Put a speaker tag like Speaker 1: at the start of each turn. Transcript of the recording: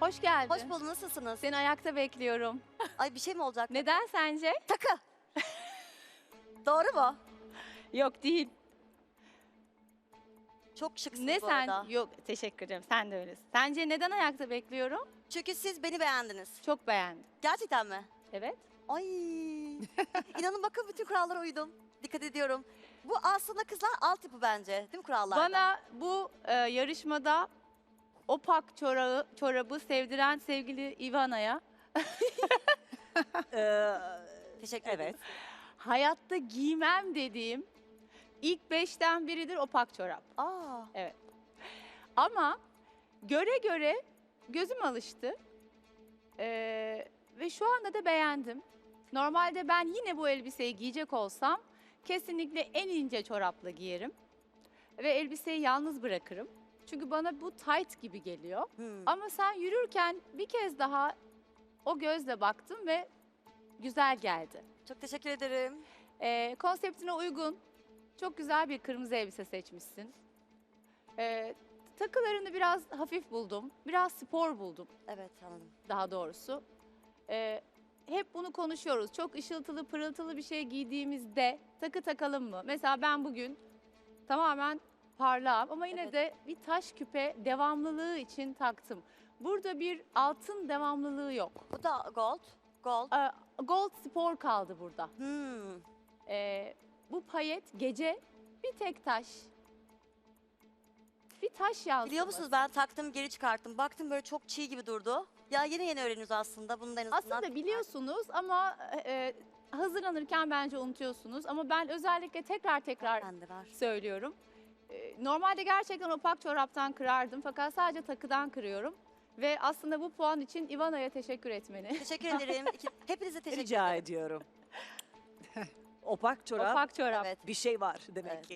Speaker 1: Hoş geldin.
Speaker 2: Hoş bulduk, nasılsınız?
Speaker 1: Seni ayakta bekliyorum.
Speaker 2: Ay bir şey mi olacak?
Speaker 1: Neden sence?
Speaker 2: Takı. Doğru mu?
Speaker 1: Yok değil.
Speaker 2: Çok şıksınız
Speaker 1: Ne
Speaker 2: bu
Speaker 1: sen?
Speaker 2: arada.
Speaker 1: Yok teşekkür ederim. Sen de öylesin. Sence neden ayakta bekliyorum?
Speaker 2: Çünkü siz beni beğendiniz.
Speaker 1: Çok beğendim.
Speaker 2: Gerçekten mi?
Speaker 1: Evet.
Speaker 2: Ay. İnanın bakın bütün kurallara uydum. Dikkat ediyorum. Bu aslında kızlar altyapı bence. Değil mi kurallarda?
Speaker 1: Bana bu yarışmada opak çorabı sevdiren sevgili Ivana'ya
Speaker 2: Teşekkür ederim.
Speaker 1: hayatta giymem dediğim ilk 5'ten biridir opak çorap.
Speaker 2: Aa.
Speaker 1: Evet. Ama göre göre gözüm alıştı. Ve şu anda da beğendim. Normalde ben yine bu elbiseyi giyecek olsam kesinlikle en ince çorapla giyerim. Ve elbiseyi yalnız bırakırım. Çünkü bana bu tight gibi geliyor. Ama sen yürürken bir kez daha o gözle baktım ve güzel geldi.
Speaker 2: Çok teşekkür ederim.
Speaker 1: Konseptine uygun, çok güzel bir kırmızı elbise seçmişsin. Takılarını biraz hafif buldum, biraz spor buldum
Speaker 2: Evet anladım.
Speaker 1: daha doğrusu. Hep bunu konuşuyoruz. Çok ışıltılı, pırıltılı bir şey giydiğimizde takı takalım mı? Mesela ben bugün tamamen parlağım ama yine
Speaker 2: Evet.
Speaker 1: de bir taş küpe devamlılığı için taktım. Burada bir altın devamlılığı yok.
Speaker 2: Bu da gold. Gold.
Speaker 1: Gold spor kaldı burada.
Speaker 2: Hmm.
Speaker 1: Bu payet gece bir tek taş. Bir taş yansıması.
Speaker 2: Biliyor musunuz ben taktım geri çıkarttım. Baktım böyle çok çiğ gibi durdu. Ya yeni öğreniyoruz aslında. Bunu da en azından.
Speaker 1: Aslında biliyorsunuz ama hazırlanırken bence unutuyorsunuz. Ama ben özellikle tekrar
Speaker 2: Bende var.
Speaker 1: söylüyorum. Normalde gerçekten opak çoraptan kırardım fakat sadece takıdan kırıyorum. Ve aslında bu puan için Ivana'ya teşekkür etmeni.
Speaker 2: Teşekkür ederim. Hepinize teşekkür
Speaker 3: Rica
Speaker 2: ederim.
Speaker 3: ediyorum. Opak çorap
Speaker 1: Opak çorap.
Speaker 2: Evet.
Speaker 3: bir şey var demek
Speaker 2: Evet.
Speaker 3: ki.